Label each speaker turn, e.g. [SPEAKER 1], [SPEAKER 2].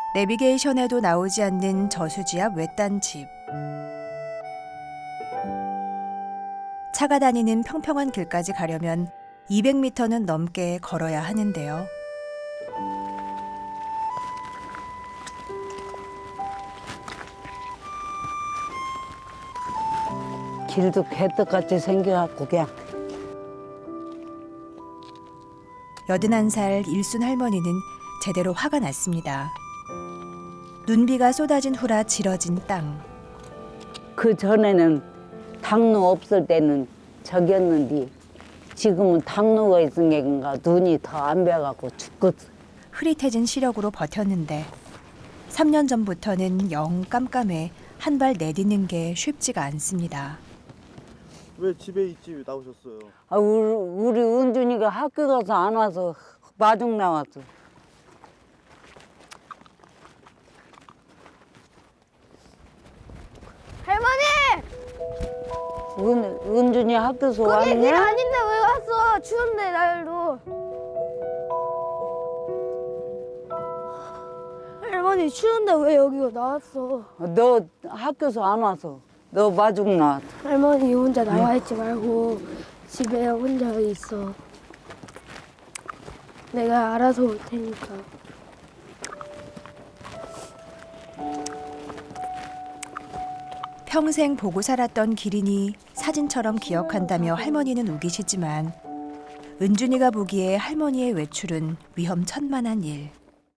[SPEAKER 1] 내비게이션에도 나오지 않는 저수지 앞 외딴 집. 차가 다니는 평평한 길까지 가려면 200m는 넘게 걸어야 하는데요.
[SPEAKER 2] 길도 개떡같이 생겨갖고 그냥
[SPEAKER 1] 81살 일순 할머니는 제대로 화가 났습니다. 눈비가 쏟아진 후라 지러진 땅.
[SPEAKER 2] 그 전에는 당로 없을 때는 저기였는데 지금은 당로가 있으니까 눈이 더 안 배갖고 죽겠어.
[SPEAKER 1] 흐릿해진 시력으로 버텼는데 3년 전부터는 영 깜깜해 한 발 내딛는 게 쉽지가 않습니다.
[SPEAKER 3] 왜 집에 있지 나오셨어요?
[SPEAKER 2] 아, 우리 은준이가 학교 가서 안 와서 마중 나왔어.
[SPEAKER 4] 할머니!
[SPEAKER 2] 은준이 학교에서
[SPEAKER 4] 거기 길
[SPEAKER 2] 왔냐?
[SPEAKER 4] 아닌데 왜 왔어? 추운데 날도. 할머니 추운데 왜 여기 나왔어?
[SPEAKER 2] 너 학교에서 안 와서 너 마중 나왔어.
[SPEAKER 4] 할머니 혼자 나와 있지 말고 집에 혼자 있어. 내가 알아서 올 테니까.
[SPEAKER 1] 평생 보고 살았던 기린이 사진처럼 기억한다며 할머니는 우기시지만 은준이가 보기에 할머니의 외출은 위험천만한 일.